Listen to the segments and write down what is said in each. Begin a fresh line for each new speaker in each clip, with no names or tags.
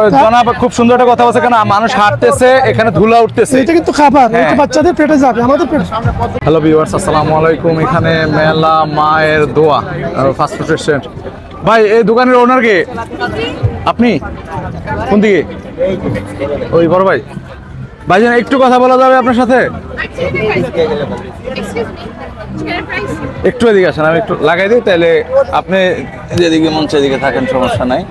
জনাব খুব সুন্দর একটা কথা বলছে, কেন মানুষ হাঁটতেছে, এখানে ধুলা উঠতেছে,
এটা কিন্তু খাবার, এটা বাচ্চাদের পেটে যাবে, আমাদের পেটে।
হ্যালো ভিউয়ার্স, আসসালামু আলাইকুম। এখানে মেলা মায়ের দোয়া ফাস্ট ফুড রেস্টুরেন্ট। ভাই, এই দোকানের ওনার কে? আপনি কোন দিকে? ওই বড় ভাই। ভাইজান, একটু কথা বলা যাবে আপনার সাথে? একটু এদিকে আসেন, আমি একটু লাগাই দিই, তাহলে আপনি যেদিকে মন সেদিকে থাকেন, সমস্যা নাই।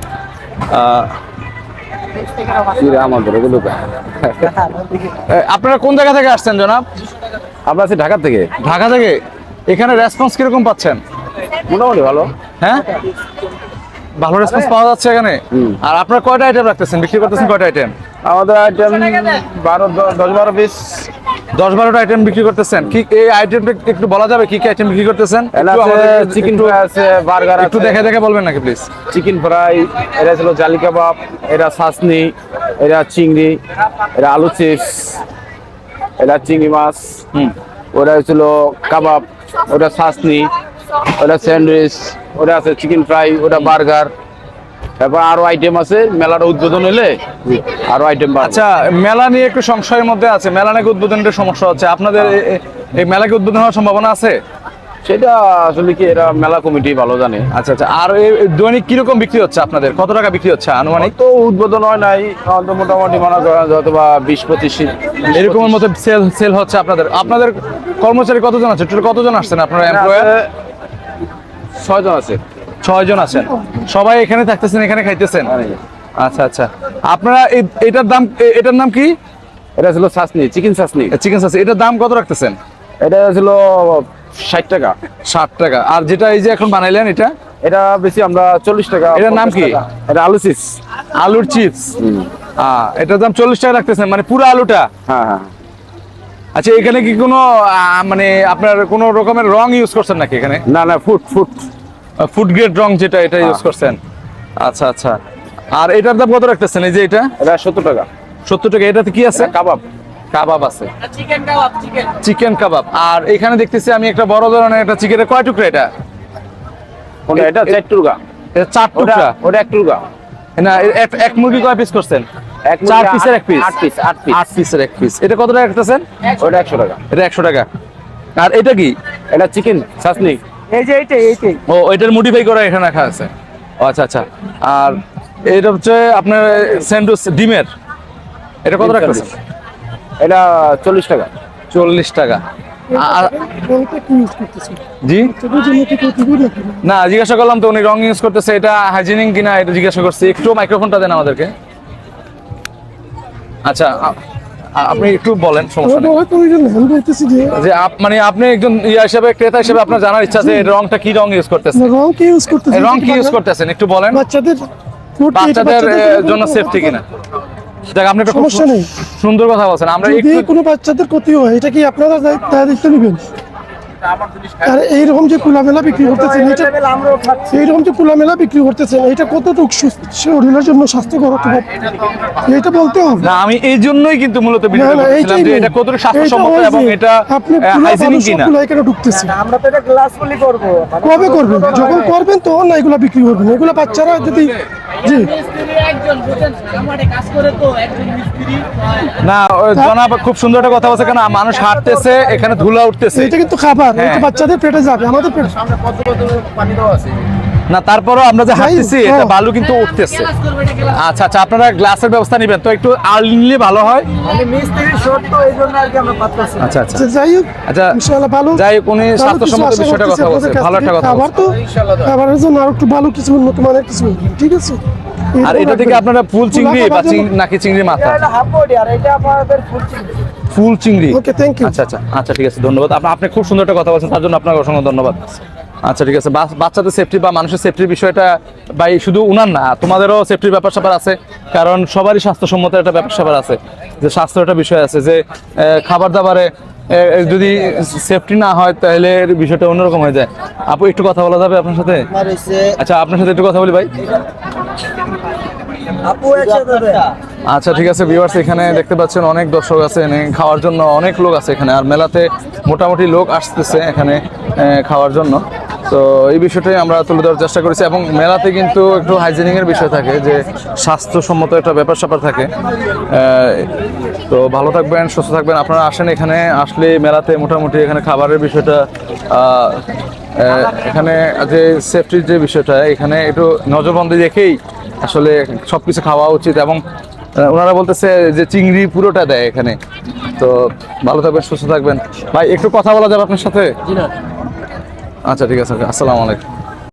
আপনারা কোন জায়গা থেকে আসছেন জনাব?
আমরা আছি ঢাকা থেকে।
ঢাকা থেকে। এখানে রেসপন্স কিরকম পাচ্ছেন?
মোটামুটি ভালো।
হ্যাঁ, ভালো রেসপন্স পাওয়া যাচ্ছে এখানে। আর আপনারা কয়টা আইটেম রাখতেছেন, বিক্রি করতেছেন কয়টা আইটেম?
আমাদের আইটেম 10-12 পিস,
10-12টা আইটেম বিক্রি করতেছেন। কি এই আইটেমটা একটু বলা যাবে, কি কি আইটেম বিক্রি করতেছেন?
চিকেন ফ্রাই আছে, বার্গার
একটু দেখে দেখে বলবেন নাকি প্লিজ?
চিকেন ফ্রাই, এটা ছিল জালি কাবাব, এটা সাসনি, এটা চিংড়ি, এটা আলু চিপস, এটা চিংড়ি মাছ, ওটা হচ্ছিল কাবাব, ওটা সাসনি, ওটা স্যান্ডউইচ, ওটা আছে চিকেন ফ্রাই, ওটা বার্গার। তারপর আরো আইটেম আছে, মেলার উদ্বোধন হলে আরো আইটেম।
আচ্ছা, মেলা নিয়ে একটু সংশয়ের মধ্যে আছে, মেলা নাকি উদ্বোধনের সমস্যা হচ্ছে। আপনাদের এই মেলাকে উদ্বোধন হওয়ার সম্ভাবনা আছে?
সেটা আসলে কি, এরা মেলা কমিটি ভালো জানে।
আচ্ছা আচ্ছা। আর এই দৈনিক কিরকম বিক্রি হচ্ছে আপনাদের? কত টাকা বিক্রি হচ্ছে আনুমানিক?
তো উদ্বোধন হয় নাই, মোটামুটি মনে করেন হয়তো বা 20-25
এরকমের মতো সেল হচ্ছে আপনাদের। আপনাদের কর্মচারী কতজন আছে? টোটাল কতজন আসছেন আপনারা এমপ্লয়ার?
6 জন আছে।
6 জন আছেন। সবাই এখানে থাকতেছেন, এখানে খাইতেছেন? আচ্ছা আচ্ছা। আপনারা এটার নাম কি?
এটা ছিল সাসনি, চিকেন সাসনি।
চিকেন সাসনি, এটার দাম কত রাখতেছেন?
এটা ছিল 60 টাকা।
60 টাকা। আর যেটা এই যে এখন বানাইলেন এটা?
এটা বেশি, আমরা 40 টাকা।
এটার নাম কি?
এটা আলু চিপস।
আলুর চিপস। এটার দাম 40 টাকা রাখতেছেন, মানে পুরো আলুটা?
হ্যাঁ হ্যাঁ।
আচ্ছা, এখানে কি কোনো মানে আপনার কোনো রকমের রং ইউজ করছেন নাকি এখানে?
না না,
ফুড গ্রেড রং যেটা, এটা ইউজ করছেন। আচ্ছা আচ্ছা। আর এটার দাম কত রাখতেছেন? এই যে এটা
70 টাকা।
70 টাকা। এটাতে কি আছে? কাবাব আছে, চিকেন কাবাব। আর এখানে দেখতেছি আমি একটা বড় ধরনের একটা চিকেনের, কয় টুকরা এটা?
এটা 4 টুকরা।
এটা 4 টুকরা?
ওটা 1 টুকরা
না, এক মুরগি কয় পিস করছেন?
4 পিসের
1 পিস। 8 পিসের 1 পিস। এটা কত টাকা রাখতেছেন?
ওটা 100 টাকা।
এটা 100 টাকা। আর এটা কি?
এটা চিকেন সাসনি।
এই যে এইটাই।
ও, এটার মডিফাই করা এখানে রাখা আছে। আচ্ছা আচ্ছা। আর এটা হচ্ছে আপনার স্যান্ডউইচ ডিমের, এটা কত রাখতেছেন?
এটা 40 টাকা।
40 টাকা। জি না, জিজ্ঞাসা করলাম তো, উনি রং ইউজ করতেছে, এটা হাইজিনিক কিনা এটা জিজ্ঞাসা করছি। একটু মাইক্রোফোনটা দেন আমাদেরকে। আচ্ছা, আপনি একটু বলেন, সমস্যা নেই। যে মানে আপনি একজন হিসেবে, ক্রেতা হিসেবে আপনার জানার ইচ্ছা যে রংটা কি রং ইউজ করতেছেন? রং কি ইউজ করতেছেন একটু বলেন। বাচ্চাদের জন্য সেফটি কিনা? দেখ, আপনি একটা
সমস্যা নেই,
সুন্দর কথা বলছেন। আমরা
যদি কোনো বাচ্চাদের ক্ষতি হয়, এটা কি আপনারা দায়িত্ব নেবেন? আর এইরকম যে খোলামেলা বিক্রি করতেছেন, এইরকম যে খোলামেলা বিক্রি করতেছেন, এটা কতটুকু শরীরের জন্য স্বাস্থ্যকর হতে পারে, এটা বলতে হবে
না। আমি এই জন্যই কিন্তু মূলত ভিডিও করছিলাম যে এটা কতটুকু স্বাস্থ্যসম্মত এবং এটা হাইজিনিক কিনা।
এখানে ঢুকতেছে, আমরা তো এটা গ্লাসফুলি করব। কবে করবেন? যখন করবেন তখন না এগুলা বিক্রি করবেন। এগুলা বাচ্চারা যদি জি
না, জনাব খুব সুন্দর একটা কথা বলছে, কেন মানুষ হাঁটতেছে, এখানে ধুলা উঠতেছে,
এটা কিন্তু খাবার, এটা বাচ্চাদের পেটে যাবে, আমাদের পেটে।
পানি দেওয়া আছে
না। তারপরও আমরা যে হাঁটতেছি, এটা বালু কিন্তু উঠতেছে। আচ্ছা আচ্ছা, আপনারা গ্লাসের ব্যবস্থা নেবেন তো, একটু আর্লি নিলে ভালো হয়। আচ্ছা আচ্ছা।
যাই হোক,
আচ্ছা
ইনশাআল্লাহ ভালো।
যাই হোক, উনি স্বাস্থ্যসম্মত বিষয়টা কথা বলছে, ভালো একটা কথা
খাবার তো খাবারের জন্য আর একটু ভালো কিছু, উন্নত মানের কিছু, ঠিক আছে।
আর এটা থেকে আপনারা ফুল চিংড়ি বা নাকি চিংড়ি মাথা? ফুল চিংড়ি।
Okay, thank you.
আচ্ছা আচ্ছা আচ্ছা, ঠিক আছে, ধন্যবাদ। আপনি খুব সুন্দর একটা কথা বলছেন, তার জন্য আপনাকে অসংখ্য ধন্যবাদ। আচ্ছা, ঠিক আছে। বাচ্চাদের সেফটি বা মানুষের সেফটির বিষয়টা ভাই শুধু উনার না, তোমাদেরও সেফটির ব্যাপার স্যাপার আছে, কারণ সবারই স্বাস্থ্যসম্মত একটা ব্যাপার স্যাপার আছে, যে স্বাস্থ্যের একটা বিষয় আছে, যে খাবার দাবারে যদি সেফটি না হয় তাহলে বিষয়টা অন্যরকম হয়ে যায়। আপু, একটু কথা বলা যাবে আপনার সাথে? আচ্ছা, আপনার সাথে একটু কথা বলি ভাই। আচ্ছা ঠিক আছে ভিউয়ার্স, এখানে দেখতে পাচ্ছেন অনেক দর্শক আছে, এখানে খাওয়ার জন্য অনেক লোক আছে এখানে, আর মেলাতে মোটামুটি লোক আসতেছে এখানে খাওয়ার জন্য। তো এই বিষয়টাই আমরা তুলে ধরার চেষ্টা করেছি, এবং মেলাতে কিন্তু একটু হাইজিনিং এর বিষয় থাকে, যে স্বাস্থ্যসম্মত একটা ব্যাপার স্যাপার থাকে। তো ভালো থাকবেন, সুস্থ থাকবেন, আপনারা আসেন এখানে, আসলে মেলাতে মোটামুটি এখানে খাবারের বিষয়টা এখানে যে সেফটির যে বিষয়টা এখানে একটু নজরবন্দি রেখেই আসলে সবকিছু খাওয়া উচিত। এবং ওনারা বলতেছে যে চিংড়ি পুরোটা দেয় এখানে। তো ভালো থাকবেন, সুস্থ থাকবেন। ভাই একটু কথা বলা যাবে আপনার সাথে? আচ্ছা ঠিক আছে, আসসালামু আলাইকুম।